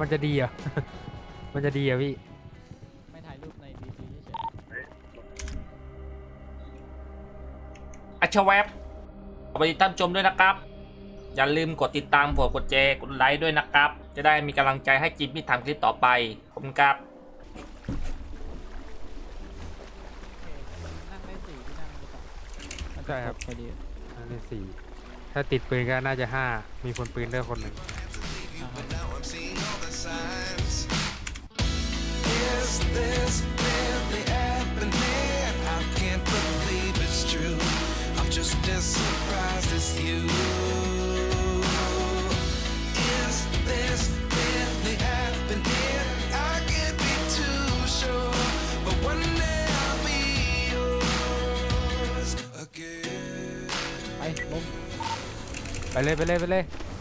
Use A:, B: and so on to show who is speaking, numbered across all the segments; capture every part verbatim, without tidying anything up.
A: มันจะดีเหรอ มันจะดีเหรอพี่
B: ไม่ถ่ายรูปในดีซีเฉย
C: อัชแวบขอบคุณท่านชมด้วยนะครับอย่าลืมกดติดตามกดกดแชร์กดไลค์ด้วยนะครับจะได้มีกำลังใจให้จิมมี่ทำคลิปต่อไปขอบคุณครับ
B: ๆนั่งได้สี่ที่นั่งหรือเปล่า
A: ใช่ครับ
B: พอดี
A: อันนี้สี่ถ้าติดปืนก็น่าจะห้ามีคนปืนด้วยคนหนึ่ง
B: อ่าฮะ
D: Is this really happening? I can't believe it's true. I'm just as surprised as you. Is this really happening? I can't be too sure, but one day I'll be yours again.
B: ไปลง
A: ไปเลยไปเลยไปเลย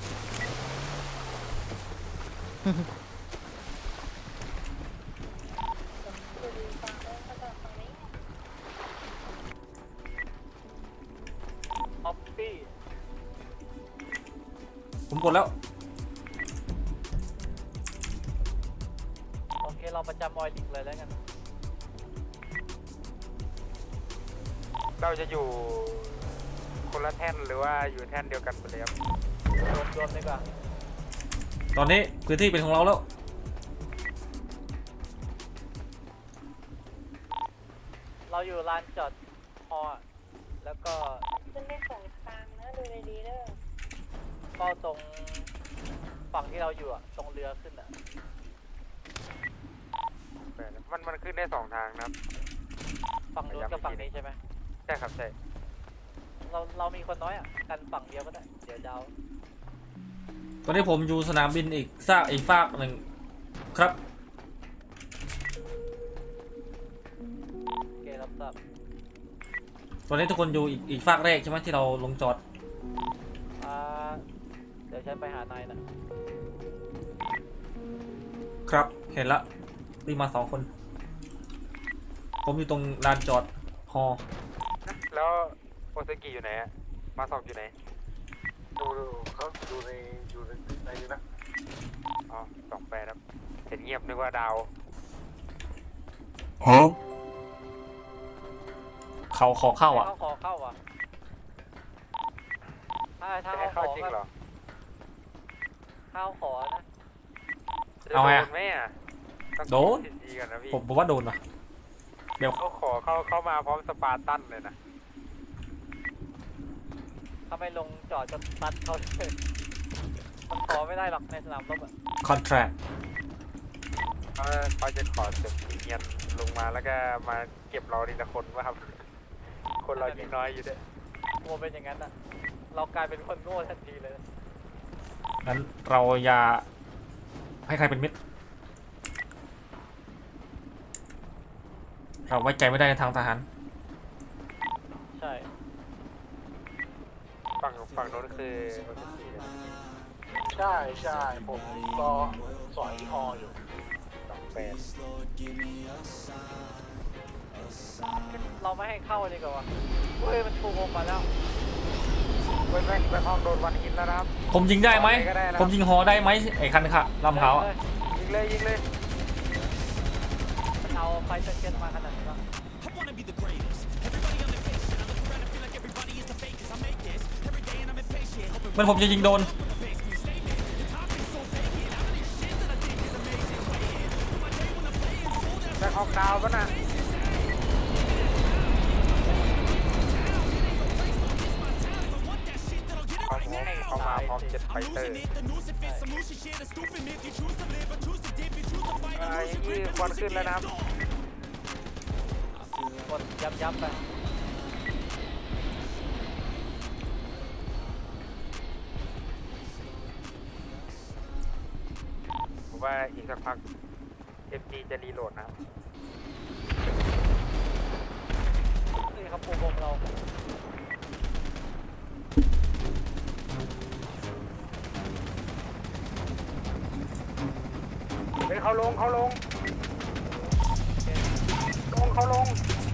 E: ออฟฟี่
C: ผมกดแล้ว
E: โอเคเราประจำออยดิกเลยแล้วกัน
F: เราจะอยู่คนละแท่นหรือว่าอยู่แท่นเดียวกันไปเลยครับ
E: รวมรวมดีกว่า
C: ตอนนี้พื้นที่เป็นของเราแล้ว
E: เราอยู่ลานจอดฮอแล้วก็
G: ขึ้นได้สองทางนะดูดีๆเด้อ
E: เฝ้าตรงฝั่งที่เราอยู่อะตรงเรือขึ้นอะ
F: มันมันขึ้นได้สองทางนะครับ
E: ฝั่งนู้นกับฝั่งนี้ใช่ไหม
F: ใช่ครับใช่
E: เราเรามีคนน้อยอะกันฝั่งเดียวก็ได้เดี๋ยวเดา
C: ตอนนี้ผมอยู่สนามบินอีกซากอีกฝากหนึ่งครับ
E: โอเครับทราบ
C: ตอนนี้ทุกคนอยู่อีกอีกฝากแรกใช่ไหมที่เราลงจอด
E: อ่าเดี๋ยวฉันไปหานายนะ
C: ครับเห็นละรีบมาสองคน ผมอยู่ตรงลานจอดฮอ
F: แล้วโอซากิอยู่ไหนอะมาสอบอยู่ไหน
H: ดูดูเขาดูในอยู่ในในนี้นะ
F: อ๋อสองแปดครับเห็นเงียบนึกว่าดาว
C: เขาขอเข้าอ่ะ
E: ให้เขาขอเข้าอ่ะถ้าถ้า
F: จะให้
E: เขาข
F: เข้า
E: อ
F: จริง
E: ก็
F: เหรอ
E: เข้าขอนะ
F: จะ
C: เอาไงอะ
F: โดนไหมอะต้อง
C: โดน
F: คิดีๆก่อนนะพี่
C: ผมผมว่าโดนว่ะเดี๋ยว
F: เขาขอเข้าเข้ามาพร้อมสปาร์ตันเลยนะ
E: ถ้าไม่ลงจอดจะตัดเขาเลยมันขอไม่ได้หรอกในสนามรบอ่ะ
C: คอนแทรค
F: เขาเขาจะขอเสร็จเงียนลงมาแล้วก็มาเก็บเราทีละคนว่าครับ คนเรายิ่งน้อยอยู่ด้วย
E: กลัวเป็นอย่างนั้นอ่ะ เรากลายเป็นคนโง่ทันทีเลยนะ
C: งั้นเราอย่าให้ใครเป็นมิตรเราไว้ใจไม่ได้ในทางทหาร
E: ใช่
F: ฝั่งฝั่งโน้นคือโอซากินะ
H: ใช่ใช่ผมก็สอยฮออยู่
F: สองแปด
E: เราไม่ให้เข้าดีกว่าวะเฮ้ยมันถูกลงมาแล้ว
F: เว้นแม่งไปห้องโดนวันหินแล้วนะครับ
C: ผมยิงได้ไหม
F: ก็ได้นะ
C: ผมยิงฮอได้ไหมไอ้คันค่ะลำเขาวอะ
F: ยิงเลยยิงเลย
E: มันเอาไฟเช็ดมาขนาดนี้วะ
C: มันผมจะยิงโดน
F: แบ็คฮอกดาวน์ป่ะน่ะเขาเขามาพร้อมเจ็ตไฟเตอร์อ่าอย่างนี้ควันขึ้นแล้วนะครับ
E: กดยับยับไป
F: ผมว่าอีกสักพัก เอฟ จี จะรีโหลดนะครับ
E: นี่ครับปูพงเรา
F: เฮ้ยเขาลงเขาลงลงเขาลง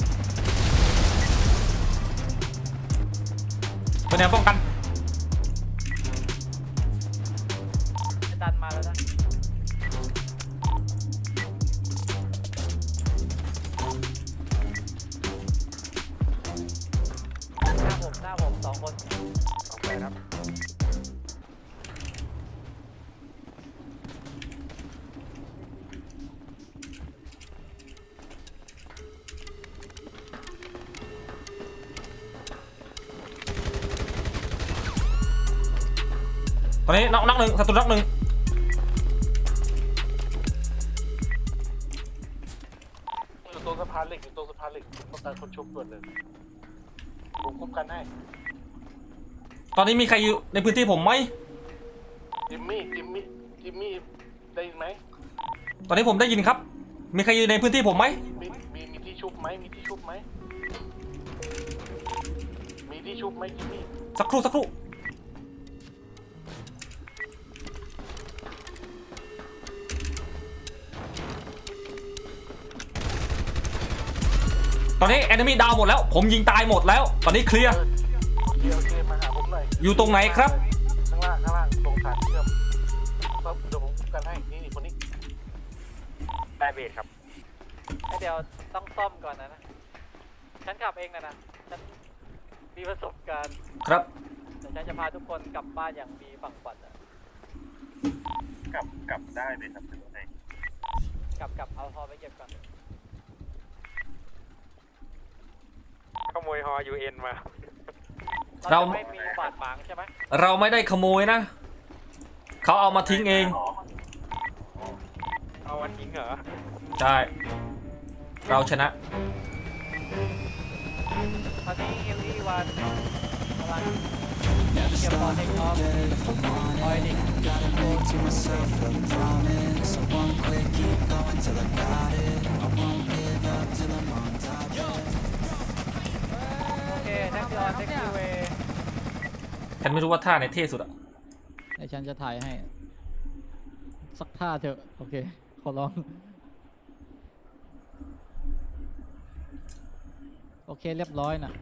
C: เป็นแนวป้องกัน
E: ดันมาแล้วนะคน
F: ออกไปครับ
C: ตอนนี้น็อกน็อกหนึ่งศัตรูน็อกหนึ่ง
H: อยู่ตรงสะพานเหล็กอยู่ตรงสะพานเหล็กต้องการคนชุบด่วนเลยผมคุ้มกันให้
C: ตอนนี้มีใครอยู่ในพื้นที่ผมไหม
H: จิมมี่จิมมี่จิมมี่ได้ยินไหม
C: ตอนนี้ผมได้ยินครับ มีใครอยู่ในพื้นที่ผมไหม
H: มีมีมีที่ชุบไหมมีที่ชุบไหมมีที่ชุบไหมจิมมี่
C: สักครู่สักครู่ตอนนี้แอนมี่ดาวหมดแล้ว ผมยิงตายหมดแล้ว ตอนนี้เคลียร์
H: เออโอเคโอเคมาหาผมหน่อย
C: อยู่ตรงไหนครับ
H: ข้างล่างข้างล่างตรงฐานเชื่อมครับเดี๋ยวผมคุ้มกันให้นี่นี่คนนี้
F: ได้เบสครับ
E: เดี๋ยวต้องซ่อมก่อนนะนะฉันขับเองนะนะฉันมีประสบการณ์
C: ครับ
E: แต่ฉันจะพาทุกคนกลับบ้านอย่างมีฝั่งฝันอะ
F: กลับกลับได้เลยครับเป็นไง
E: กลับกลับเอาฮอไปเก็บก่อน
F: ขโมยฮอยูเอ็นมา
E: เรา
C: เรา
E: จะไม่มีบาดหมางใช่ไหม
C: เราไม่ได้ขโมยนะ เขาเอามาทิ้งเอง
F: เอาวันทิ้งเหรอ
C: ใช่ เราชนะ
E: ตอนนี้เอลอีวันกำลังเก็บบอลเทคออฟออยดิ
D: Gotta make to myself a promise. I won't quit, keep going till I got it. I won't give up till I'm on top.
E: โอเคแท็กซี่ออนแท็กซี่เวย์
C: ฉันไม่รู้ว่าท่าไหนเท่สุดอะ
B: ไอฉันจะถ่ายให้ สักท่าเถอะ โอเค ขอร้อง โอเคเรียบร้อยนะ